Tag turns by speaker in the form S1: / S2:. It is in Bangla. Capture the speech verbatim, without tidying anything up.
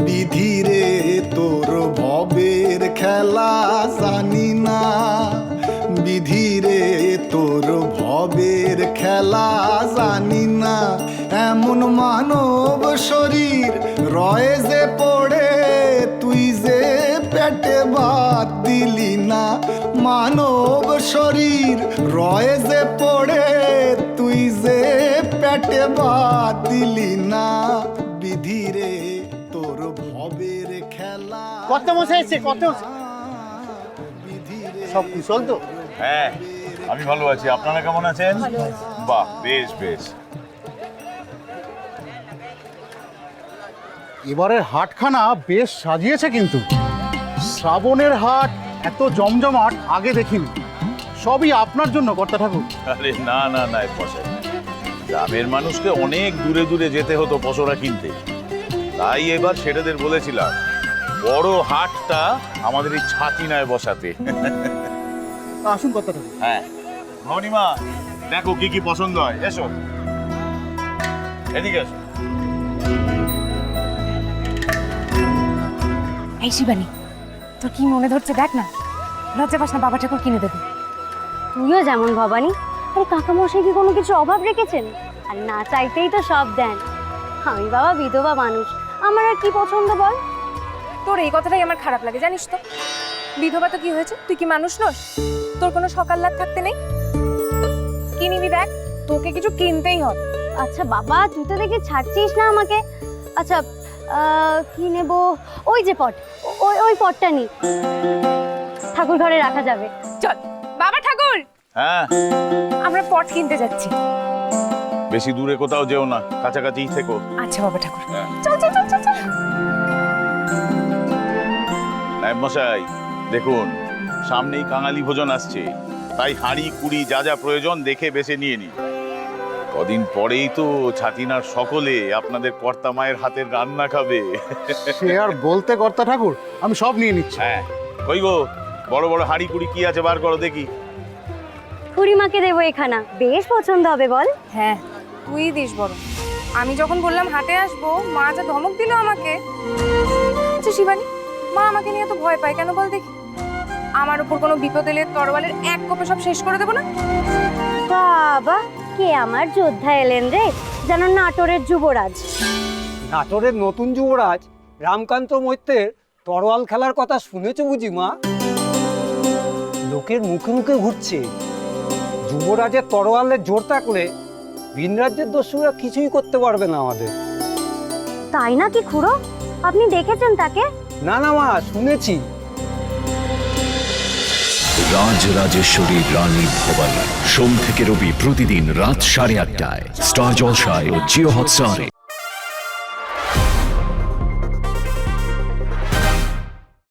S1: বিধিরে তোর ভবের খেলা জানি না, বিধিরে তোর ভবের খেলা জানি না। এমন মানব শরীর রয়ে যে পড়ে, তুই যে পেটে ভাত দিলি না। মানব শরীর রয়ে যে পড়ে, তুই যে পেটে ভাত দিলি না। বিধিরে তোর ভবের খেলা।
S2: কত মশাই এসছে, কত সব কুশল তো?
S3: হ্যাঁ, আমি ভালো আছি। আপনারা কেমন আছেন? বাহ, বেশ বেশ।
S2: এবারের হাটখানা বেশ সাজিয়েছে কিন্তু। শ্রাবণের হাট এত জমজমাট আগে দেখিনি। সবই আপনার জন্য কর্তা ঠাকুর।
S3: আরে না না না পশাই, গ্রামের মানুষকে অনেক দূরে দূরে যেতে হতো পশরা কিনতে, তাই এবার সেটাদের বলেছিলাম বড় হাটটা আমাদের এই ছাতিনায় বসাতে।
S2: আসুন কর্তা ঠাকুর।
S3: হ্যাঁ ভবনীমা, দেখো কি কি পছন্দ হয়। এসো, এদিকে এসো।
S4: এই শিবানী, তোর কি মনে ধরছে দেখ না, লজ্জা পাস না, বাবা ঠাকুর কিনে দেবে।
S5: তুইও যেমন ভবানী, আরে কাকামশাই কি কোনো কিছু অভাব রেখেছেন? আর না চাইতেই তো সব দেন। আমি বাবা বিধবা মানুষ, আমার আর কি পছন্দ বল?
S4: তোর এই কথাটাই আমার খারাপ লাগে, জানিস তো। বিধবা তো কি হয়েছে, তুই কি মানুষ নস? তোর কোনো সকাল লাগ থাকতে নেই? কি নিবি দেখ, তোকে কিছু কিনতেই হবে।
S5: আচ্ছা বাবা, তুই তো দেখে ছাড়ছিস না আমাকে। আচ্ছা আহ, কি নেব? ওই যে পট, ওই ওই পটটা নি, ঠাকুর ঘরে রাখা যাবে।
S4: চল বাবা ঠাকুর,
S3: হ্যাঁ
S4: আমরা পট কিনতে যাচ্ছি।
S3: বেশি দূরে কোথাও যেও না, কাছাকাছিই থেকো।
S4: আচ্ছা বাবা ঠাকুর, চল চল চল চল চল।
S3: নায়েব মশাই, দেখুন সামনেই কাঙালি ভোজন আসছে, তাই হাঁড়ি কুড়ি যা যা প্রয়োজন দেখে বেছে নিয়ে নি। কদিন পরেই তো ছাতিনার সকলে আপনাদের কর্তা মায়ের হাতের রান্না খাবে।
S2: সে আর বলতে কর্তা ঠাকুর, আমি সব নিয়ে নিচ্ছি।
S3: হ্যাঁ, কই গো, বড় বড় হাঁড়ি কুড়ি কি আছে বার করো দেখি।
S5: খুড়িমাকে দেবো এখানা, বেশ পছন্দ হবে বল।
S4: হ্যাঁ তুই দিস বড়। আমি যখন বললাম হাটে আসবো, মা যা ধমক দিল আমাকে। আচ্ছা শিবানী, মা আমাকে নিয়ে তো ভয় পায় কেন বল দেখি? আমার উপর কোনো বিপদ এলে তরোয়ালের এক কোপে সব শেষ করে দেবো না?
S5: বাবা, কে আমার যোদ্ধা এলেন রে, যেন নাটোরের যুবরাজ।
S6: নাটোরের নতুন যুবরাজ রামকান্ত মৈত্রের তরোয়াল খেলার কথা শুনেছ বুঝি মা? লোকের মুখে মুখে ঘুরছে, যুবরাজের তরোয়ালের জোর থাকলে ভিন রাজ্যের দস্যুরা কিছুই করতে পারবে না আমাদের।
S5: তাই নাকি খুড়ো? আপনি দেখেছেন তাকে?
S6: না না মা, শুনেছি।
S7: রাজ রাজেশ্বরী রানী ভবানী, সোম থেকে রবি প্রতিদিন রাত সাড়ে আটটায় স্টার জলসায় ও জিও হটস্টারে।